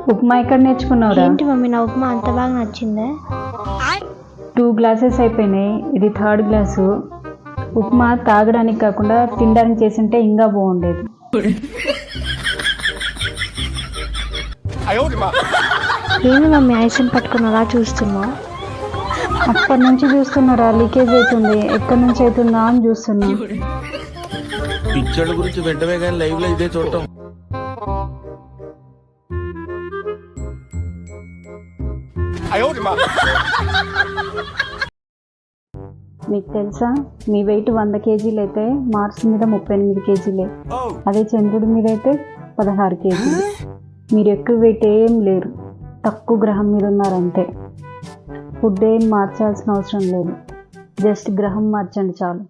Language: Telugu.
ఉప్మా ఎక్కడ నేర్చుకున్నావురా? ఏంటి మమ్మీ నా ఉప్మా అంత బాగా నచ్చిందే? 2 గ్లాసెస్ అయిపోయినాయి, ఇది 3rd గ్లాసు. ఉప్మా తాగడానికి కాకుండా తినడానికి చేసింటే ఇంకా బాగుండేది. ఏంది మమ్మీ ఐస్ని పట్టుకుని అలా చూస్తున్నావు? అప్పటి నుంచి చూస్తున్నారా, లీకేజ్ అవుతుంది, ఎక్కడి నుంచి అవుతుందా అని చూస్తున్నా. పిక్చర్ల గురించి వెంటనే కానీ లైవ్ లో ఇదే చూడటం. మీకు తెలుసా, మీ వెయిట్ 100 కేజీలు అయితే మార్స్ మీద 38 కేజీలే, అదే చంద్రుడి మీద అయితే 16 కేజీలు. మీరు ఎక్కువ వెయిట్ ఏం లేరు, తక్కువ గ్రహం మీద ఉన్నారంతే. ఫుడ్ ఏం మార్చాల్సిన అవసరం లేదు, జస్ట్ గ్రహం మార్చండి చాలు.